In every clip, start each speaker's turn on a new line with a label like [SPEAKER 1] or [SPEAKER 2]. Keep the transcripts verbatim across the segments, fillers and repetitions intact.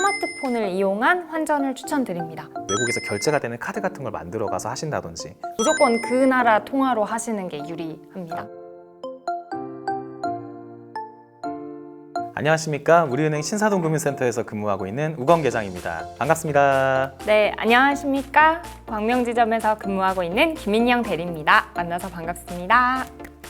[SPEAKER 1] 스마트폰을 이용한 환전을 추천드립니다.
[SPEAKER 2] 외국에서 결제가 되는 카드 같은 걸 만들어 가서 하신다든지.
[SPEAKER 1] 무조건 그 나라 통화로 하시는 게 유리합니다.
[SPEAKER 2] 안녕하십니까. 우리은행 신사동 금융센터에서 근무하고 있는 우건 계장입니다. 반갑습니다.
[SPEAKER 1] 네, 안녕하십니까. 광명지점에서 근무하고 있는 김인영 대리입니다. 만나서 반갑습니다.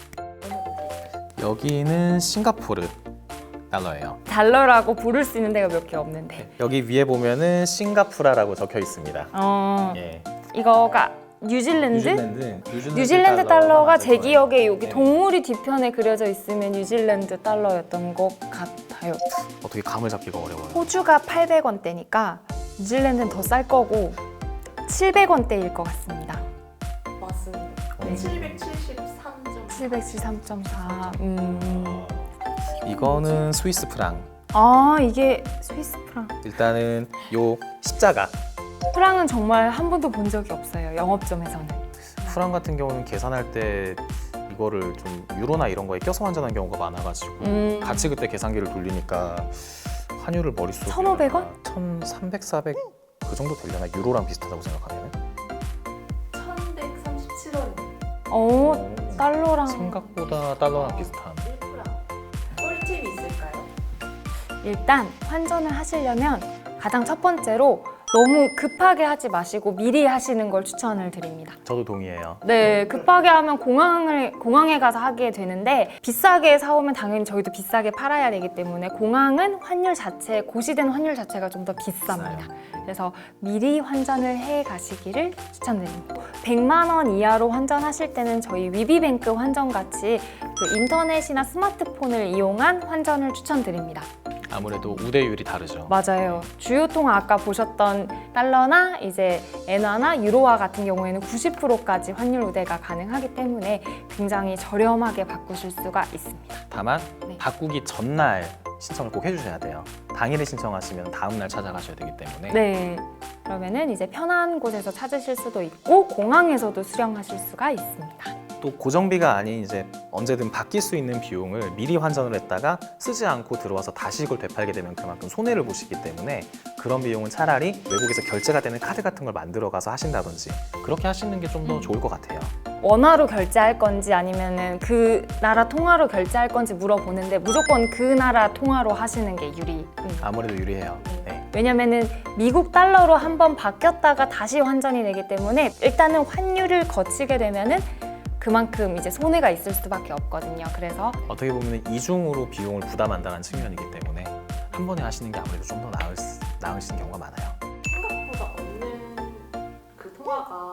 [SPEAKER 2] 여기는 싱가포르 달러예요.
[SPEAKER 1] 달러라고 부를 수 있는 데가 몇 개 없는데.
[SPEAKER 2] 여기 위에 보면은 싱가푸라라고 적혀 있습니다.
[SPEAKER 1] 어,
[SPEAKER 2] 예.
[SPEAKER 1] 이거가 뉴질랜드?
[SPEAKER 2] 뉴질랜드, 뉴질랜드,
[SPEAKER 1] 뉴질랜드 달러가 제
[SPEAKER 2] 맞을 거예요.
[SPEAKER 1] 기억에 여기
[SPEAKER 2] 네.
[SPEAKER 1] 동물이 뒤편에 그려져 있으면 뉴질랜드 달러였던 것 같아요.
[SPEAKER 2] 어떻게 감을 잡기가 어려워요.
[SPEAKER 1] 호주가 팔백 원대니까 뉴질랜드는 더 쌀 거고 칠백 원대일 것 같습니다.
[SPEAKER 3] 맞습니다.
[SPEAKER 2] 음.
[SPEAKER 3] 칠백칠십삼 점
[SPEAKER 1] 칠백칠십삼 점 사. 음.
[SPEAKER 2] 이거는 스위스 프랑.
[SPEAKER 1] 아, 이게 스위스 프랑.
[SPEAKER 2] 일단은 요 십자가.
[SPEAKER 1] 프랑은 정말 한 번도 본 적이 없어요. 영업점에서는.
[SPEAKER 2] 프랑 같은 경우는 계산할 때 이거를 좀 유로나 이런 거에 껴서 환전한 경우가 많아가지고
[SPEAKER 1] 음.
[SPEAKER 2] 같이 그때 계산기를 돌리니까 환율을 머릿속에
[SPEAKER 1] 천오백 원?
[SPEAKER 2] 천삼백, 사백 그 정도 되려나? 유로랑 비슷하다고 생각하면
[SPEAKER 3] 천백삼십칠 원입니다.
[SPEAKER 1] 어, 달러랑.
[SPEAKER 2] 생각보다 달러랑 비슷한.
[SPEAKER 3] 일 프랑. 꿀팁이 있을까요?
[SPEAKER 1] 일단 환전을 하시려면 가장 첫 번째로 너무 급하게 하지 마시고 미리 하시는 걸 추천을 드립니다.
[SPEAKER 2] 저도 동의해요.
[SPEAKER 1] 네, 급하게 하면 공항을, 공항에 가서 하게 되는데 비싸게 사오면 당연히 저희도 비싸게 팔아야 되기 때문에 공항은 환율 자체, 고시된 환율 자체가 좀 더 비쌉니다. 그래서 미리 환전을 해 가시기를 추천드립니다. 백만 원 이하로 환전하실 때는 저희 위비뱅크 환전같이 그 인터넷이나 스마트폰을 이용한 환전을 추천드립니다.
[SPEAKER 2] 아무래도 우대율이 다르죠.
[SPEAKER 1] 맞아요. 주요 통화 아까 보셨던 달러나 이제 엔화나 유로화 같은 경우에는 구십 퍼센트까지 환율 우대가 가능하기 때문에 굉장히 저렴하게 바꾸실 수가 있습니다.
[SPEAKER 2] 다만
[SPEAKER 1] 네.
[SPEAKER 2] 바꾸기 전날 신청을 꼭 해주셔야 돼요. 당일에 신청하시면 다음날 찾아가셔야 되기 때문에.
[SPEAKER 1] 네. 그러면은 이제 편한 곳에서 찾으실 수도 있고 공항에서도 수령하실 수가 있습니다.
[SPEAKER 2] 또 고정비가 아닌 이제 언제든 바뀔 수 있는 비용을 미리 환전을 했다가 쓰지 않고 들어와서 다시 이걸 되팔게 되면 그만큼 손해를 보시기 때문에 그런 비용은 차라리 외국에서 결제가 되는 카드 같은 걸 만들어 가서 하신다든지 그렇게 하시는 게 좀 더 좋을 것 같아요.
[SPEAKER 1] 원화로 결제할 건지 아니면은 그 나라 통화로 결제할 건지 물어보는데 무조건 그 나라 통화로 하시는 게 유리합니다.
[SPEAKER 2] 아무래도 유리해요. 네.
[SPEAKER 1] 왜냐면은 미국 달러로 한번 바뀌었다가 다시 환전이 되기 때문에 일단은 환율을 거치게 되면은 그만큼 이제 손해가 있을 수밖에 없거든요. 그래서
[SPEAKER 2] 어떻게 보면 이중으로 비용을 부담한다는 측면이기 때문에 한 번에 하시는 게 아무래도 좀 더 나을, 나으신 경우가 많아요.
[SPEAKER 3] 생각보다 없는 그 통화가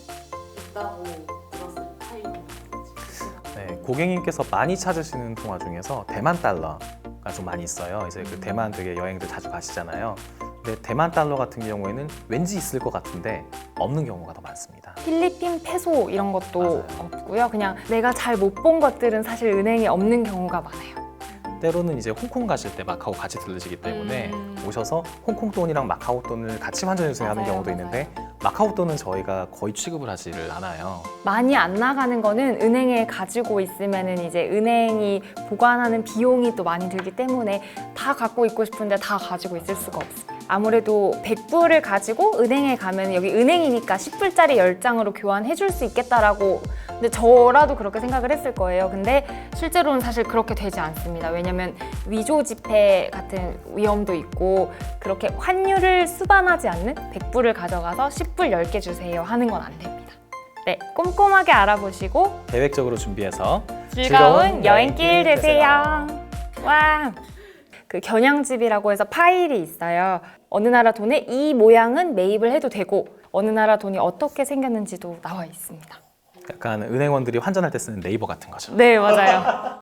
[SPEAKER 3] 있다고 들었을 타입인 것 같아요.
[SPEAKER 2] 네, 고객님께서 많이 찾으시는 통화 중에서 대만 달러가 좀 많이 있어요. 이제 그 대만 되게 여행들 자주 가시잖아요. 근데 대만 달러 같은 경우에는 왠지 있을 것 같은데 없는 경우가 더 많습니다.
[SPEAKER 1] 필리핀 페소 이런 것도
[SPEAKER 2] 맞아요.
[SPEAKER 1] 없고요. 그냥 내가 잘 못 본 것들은 사실 은행에 없는 경우가 많아요.
[SPEAKER 2] 때로는 이제 홍콩 가실 때 마카오 같이 들르시기 때문에
[SPEAKER 1] 음.
[SPEAKER 2] 오셔서 홍콩 돈이랑 마카오 돈을 같이 환전해 주세요 하는
[SPEAKER 1] 맞아요,
[SPEAKER 2] 경우도
[SPEAKER 1] 맞아요.
[SPEAKER 2] 있는데 마카오 돈은 저희가 거의 취급을 하지를 않아요.
[SPEAKER 1] 많이 안 나가는 거는 은행에 가지고 있으면은 이제 은행이 보관하는 비용이 또 많이 들기 때문에 다 갖고 있고 싶은데 다 가지고 있을 수가 없어요. 아무래도 백 불을 가지고 은행에 가면 여기 은행이니까 십 불짜리 열 장으로 교환해 줄 수 있겠다라고 근데 저라도 그렇게 생각을 했을 거예요. 근데 실제로는 사실 그렇게 되지 않습니다. 왜냐면 위조 지폐 같은 위험도 있고 그렇게 환율을 수반하지 않는 백 불을 가져가서 십 불 열 개 주세요 하는 건 안 됩니다. 네, 꼼꼼하게 알아보시고
[SPEAKER 2] 계획적으로 준비해서
[SPEAKER 1] 즐거운 여행길 되세요. 와, 그 겨냥집이라고 해서 파일이 있어요. 어느 나라 돈에 이 모양은 매입을 해도 되고 어느 나라 돈이 어떻게 생겼는지도 나와 있습니다.
[SPEAKER 2] 약간 은행원들이 환전할 때 쓰는 네이버 같은 거죠.
[SPEAKER 1] 네, 맞아요.